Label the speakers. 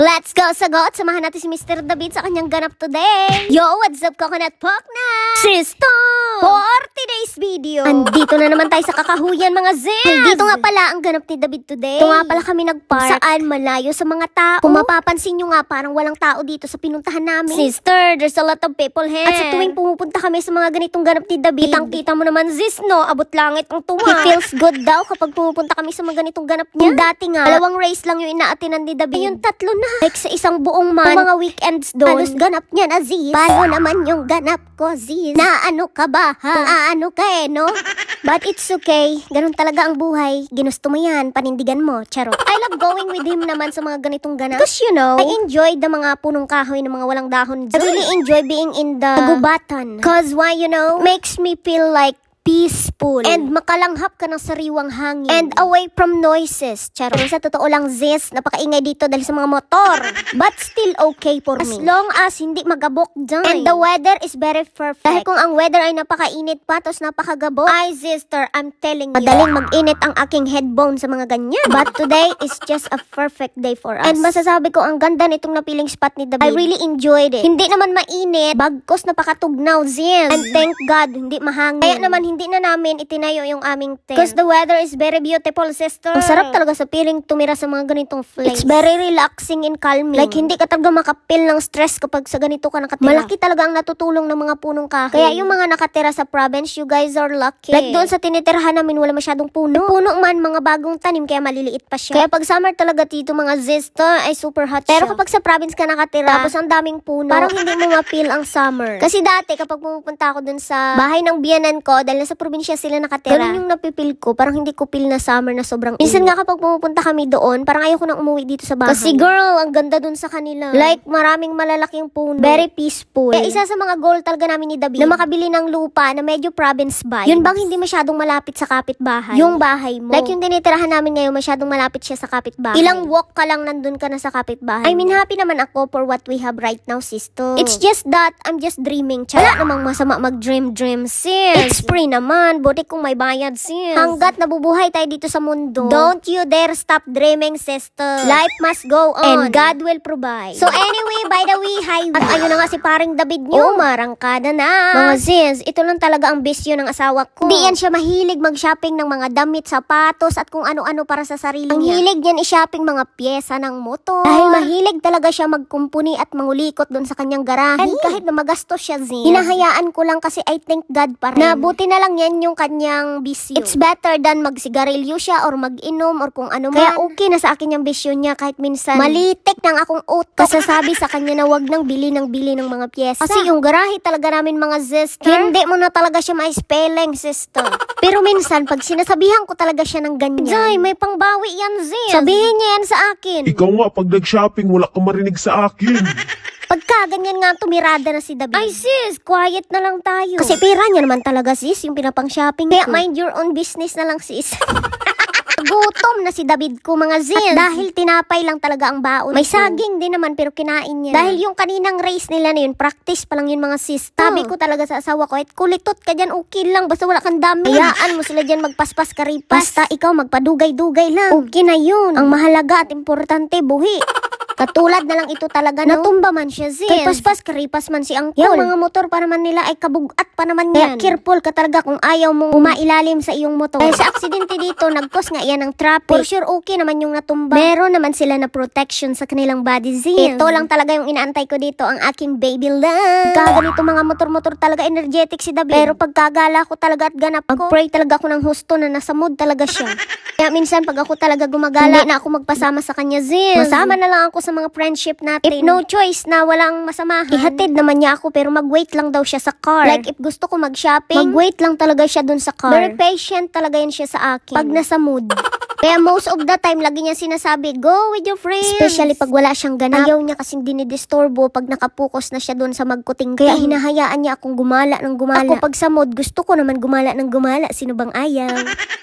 Speaker 1: Let's go, sagot! Samahan natin si Mr. David sa kanyang ganap today. Yo, what's up, Coconut Pok na? Sisto! For today's video, andito na naman tayo sa kakahuyan, mga Ziz! Dito nga pala ang ganap ni David today. Ito nga pala kami nagpark. Saan? Malayo sa mga tao. Kung mapapansin nyo nga, parang walang tao dito sa pinuntahan namin. Sister, there's a lot of people here. At sa tuwing pumupunta kami sa mga ganitong ganap ni David, kitang-kita mo naman, Ziz, no? Abot langit ang tuwa. He feels good daw kapag pumupunta kami sa mga ganitong ganap niya. Kung dati nga, 2 race lang yung inaatinan ni David. Yung 3 na. Like sa isang buong month, mga weekends doon. Halos ganap niya na, Ziz. Paano naman yung ganap ko, Ziz? Na ano ka ba, ha? Ano ka no? But it's okay. Ganun talaga ang buhay. Ginusto mo yan, panindigan mo. Charot. I love going with him naman sa mga ganitong ganap. Because you know, I enjoy the mga punong kahoy ng mga walang dahon. I really enjoy being in the gubatan. Cause why, you know, makes me feel like peaceful. And makalanghap ka ng sariwang hangin. And away from noises. Charot. Sa totoo lang, Ziz, napakaingay dito dahil sa mga motor. But still okay for me. As long as hindi magabok dyan. And the weather is very perfect. Dahil kung ang weather ay napakainit pa, tapos napakagabok, ay, sister, I'm telling you, madaling mag-init ang aking headbone sa mga ganyan. But today is just a perfect day for us. And masasabi ko, ang ganda nitong napiling spot ni David. I really enjoyed it. Hindi naman mainit, bagkos napakatugnaw, Ziz. And thank God, hindi mahangin. Kaya naman, hindi na namin itinayo yung aming tent. Because the weather is very beautiful, sister. Ang sarap talaga sa feeling tumira sa mga ganitong place. It's very relaxing and calming. Like, hindi ka talaga makapil ng stress kapag sa ganito ka nakatira. Malaki talaga ang natutulong ng mga punong kahoy. Kaya yung mga nakatira sa province, you guys are lucky. Like, doon sa tinitirhan namin, wala masyadong puno. Puno man, mga bagong tanim, kaya maliliit pa siya. Kaya pag summer talaga dito, mga zista, ay super hot siya. Pero kapag sa province ka nakatira, tapos ang daming puno, parang hindi mo mapil ang summer. Kasi dati, kapag pumupunta ako dun sa bahay ng biyanan ko, dahil sa probinsya sila nakatira, ganun yung napipil ko, parang hindi ko feel na summer na sobrang minsan nga kapag pumupunta kami doon, parang ayoko nang umuwi dito sa bahay. Kasi girl, ang ganda dun sa kanila. Like, maraming malalaking puno. Very peaceful. Kaya isa sa mga goal talaga namin ni David, na makabili ng lupa na medyo province vibe. Yun bang hindi masyadong malapit sa kapitbahay? Yung bahay mo. Like, yung tinitirahan namin ngayon, masyadong malapit siya sa kapitbahay. Ilang walk ka lang nandun ka na sa kapitbahay. I mean, happy naman ako for what we have right now, sister. It's just that, I'm just dreaming. Wala namang masama mag-dream, sis. It's free naman. Buti kung may bayad, sis. Hanggat nabubuhay tayo dito sa mundo, don't you dare stop dreaming, sister. Life must go on. And God will provide. So anyway, by the way, hi. At ayun na nga si paring David nyo. Marangkada na. Mga sis, ito lang talaga ang bisyo ng asawa ko. Hindi yan siya mahilig mag-shopping ng mga damit, sapatos, at kung ano-ano para sa sarili niya. Ang hilig niyan i-shopping mga pyesa ng motor. Dahil mahilig talaga siya magkumpuni at mangulikot doon sa kanyang garahe. And kahit na magastos siya, Zin, hinahayaan ko lang kasi I thank God pa rin. Nabuti na lang yan yung kanyang bisyo. It's better than magsigarilyo siya or mag-inom or kung ano man. Kaya okay na sa akin yung bisyo niya kahit minsan malitik ng akong utok. Kasasabi sa kanya na wag nang bili ng mga pyesa. Kasi yung garahe talaga namin, mga sister, hindi mo na talaga siya ma-spelling, sister. Pero minsan, pag sinasabihan ko talaga siya ng ganyan, Jay, may pangbawi yan, Ziz. Sabihin niya yan sa akin.
Speaker 2: Ikaw nga, pag nag-shopping, wala ka marinig sa akin.
Speaker 1: Pagka ganyan nga tumirada na si David, ay sis, quiet na lang tayo. Kasi pera niya naman talaga, sis, yung pinapang shopping. Kaya mind your own business na lang, sis. Gutom na si David ko, mga Ziz. At dahil tinapay lang talaga ang baon. May saging din naman pero kinain niya. Dahil yung kaninang race nila na yun, practice pa lang yun, mga sis. Sabi ko talaga sa asawa ko, kulitot ka dyan, okay lang, basta wala kang dami. Hayaan mo sila dyan magpaspas karipas. Basta ikaw magpadugay-dugay lang. Okay na yun. Ang mahalaga at importante, buhi. Katulad na lang ito talaga, no? Natumba man siya, Ziz. Kay paspas, karipas man si Angkol. Yung mga motor pa naman nila ay kabugat pa naman yan. Kaya careful ka talaga kung ayaw mong umailalim sa iyong motor. Dahil sa aksidente dito, nag-cause nga yan ng traffic. For sure, okay naman yung natumba. Meron naman sila na protection sa kanilang body, Ziz. Ito lang talaga yung inaantay ko dito, ang aking baby love. Kaganito mga motor-motor talaga, energetic si David. Pero pagkagala ko talaga at ganap ko, mag-pray talaga ako ng husto na nasa mood talaga siya. Kaya minsan, pag ako talaga gumagala, hindi na ako magpasama sa kanya, Ziz. Masama na lang ako sa mga friendship natin. If no choice na walang masamahan, ihatid naman niya ako pero mag-wait lang daw siya sa car. Like if gusto ko mag-shopping, mag-wait lang talaga siya dun sa car. Very patient talaga yan siya sa akin. Pag nasa mood. Kaya most of the time, lagi niya sinasabi, go with your friends. Especially pag wala siyang ganap. Ayaw niya kasing dinidisturbo pag nakapokus na siya dun sa magkuting. Kaya hinahayaan niya akong gumala ng gumala. Ako pag sa mood, gusto ko naman gumala ng gumala. Sino bang ayaw?